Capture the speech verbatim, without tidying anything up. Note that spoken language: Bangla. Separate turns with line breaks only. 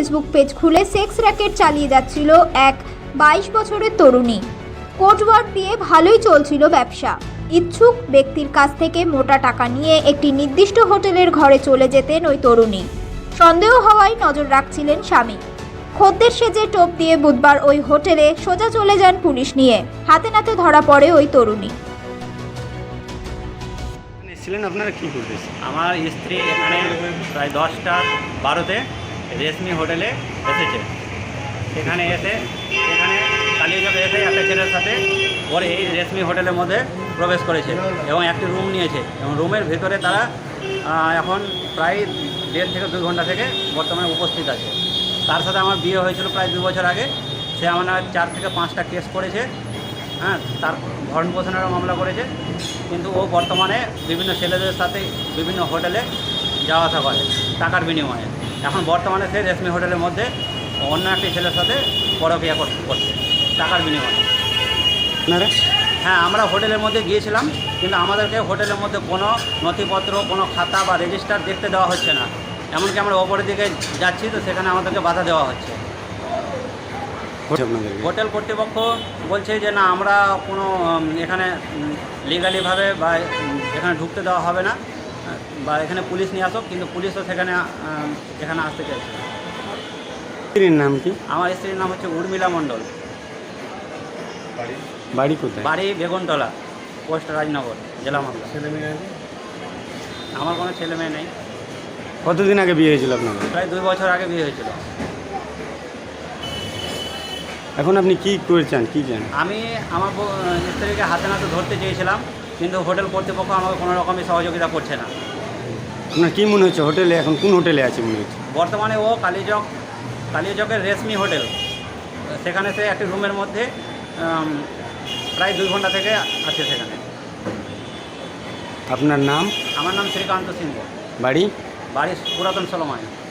ফেসবুক পেজ খুলে সেক্স র্যাকেট চালিয়ে যাচ্ছিল এক বাইশ বছরের তরুণী। কোটওয়ার্ড দিয়ে ভালোই চলছিল ব্যবসা। ইচ্ছুক ব্যক্তির কাছ থেকে মোটা টাকা নিয়ে একটি নির্দিষ্ট হোটেলের ঘরে চলে যেতেন ওই তরুণী। সন্দেহ হওয়ায় নজর রাখছিলেন স্বামী। খদ্দের সেজে টোপ দিয়ে বুধবার ওই হোটেলে সোজা চলে যান পুলিশ নিয়ে। হাতে নাতে ধরা পড়ে ওই তরুণী।
ছিলেন আপনারা কি করতেছেন?
আমার স্ত্রী এখানে প্রায় দশটা বারোতে রেশমি হোটেলে এসেছে। সেখানে এসে এখানে কালিয়াচকে এসে একটা ছেলের সাথে পরে এই রেশমি হোটেলের মধ্যে প্রবেশ করেছে এবং একটি রুম নিয়েছে এবং রুমের ভেতরে তারা এখন প্রায় দেড় থেকে দুই ঘন্টা থেকে বর্তমানে উপস্থিত আছে। তার সাথে আমার বিয়ে হয়েছিল প্রায় দু বছর আগে। সে আমার চার থেকে পাঁচটা কেস করেছে, হ্যাঁ, তার ভরণ পোষণেরও মামলা করেছে। কিন্তু ও বর্তমানে বিভিন্ন ছেলেদের সাথে বিভিন্ন হোটেলে যাওয়া আসা করে টাকার বিনিময়ে। এখন বর্তমানে সে রেশমি হোটেলের মধ্যে অন্য একটি ছেলের সাথে পরকীয়া করছে টাকার বিনিময়ে।
আপনারা?
হ্যাঁ, আমরা হোটেলের মধ্যে গিয়েছিলাম, কিন্তু আমাদেরকে হোটেলের মধ্যে কোনো নথিপত্র, কোনো খাতা বা রেজিস্টার দেখতে দেওয়া হচ্ছে না। এমনকি আমরা ওপরের দিকে যাচ্ছি তো সেখানে আমাদেরকে বাধা দেওয়া হচ্ছে। হোটেল কর্তৃপক্ষ বলছে যে না, আমরা কোনো এখানে লিগালিভাবে বা এখানে ঢুকতে দেওয়া হবে না, বা এখানে পুলিশ নিয়ে আসো, কিন্তু পুলিশও সেখানে এখানে আসতে চাইছে।
স্ত্রীর নাম কি?
আমার স্ত্রীর নাম হচ্ছে উর্মিলা মণ্ডল।
বাড়ি কোথায়?
বাড়ি বেগুনতলা, পোস্ট রাজনগর, জেলা মালদা।
ছেলে মেয়ে আছে?
আমার কোনো ছেলে মেয়ে নেই।
কতদিন আগে বিয়ে হয়েছিল আপনার?
প্রায় দুই বছর আগে বিয়ে হয়েছিল।
এখন আপনি কি করেছেন, কি চান?
আমি আমার স্ত্রীকে হাতে নাতে ধরতে চেয়েছিলাম, কিন্তু হোটেল কর্তৃপক্ষ আমাকে কোনো রকমই সহযোগিতা করছে না।
আপনার কী মনে হচ্ছে হোটেলে এখন কোন হোটেলে আছে মনে হচ্ছে?
বর্তমানে ও কালীচক কালীচকের রেশমি হোটেল, সেখানে সে একটি রুমের মধ্যে প্রায় দুই ঘন্টা থেকে আছে সেখানে।
আপনার নাম?
আমার নাম শ্রীকান্ত সিংহ।
বাড়ি?
বাড়ি পুরাতন সলমায়।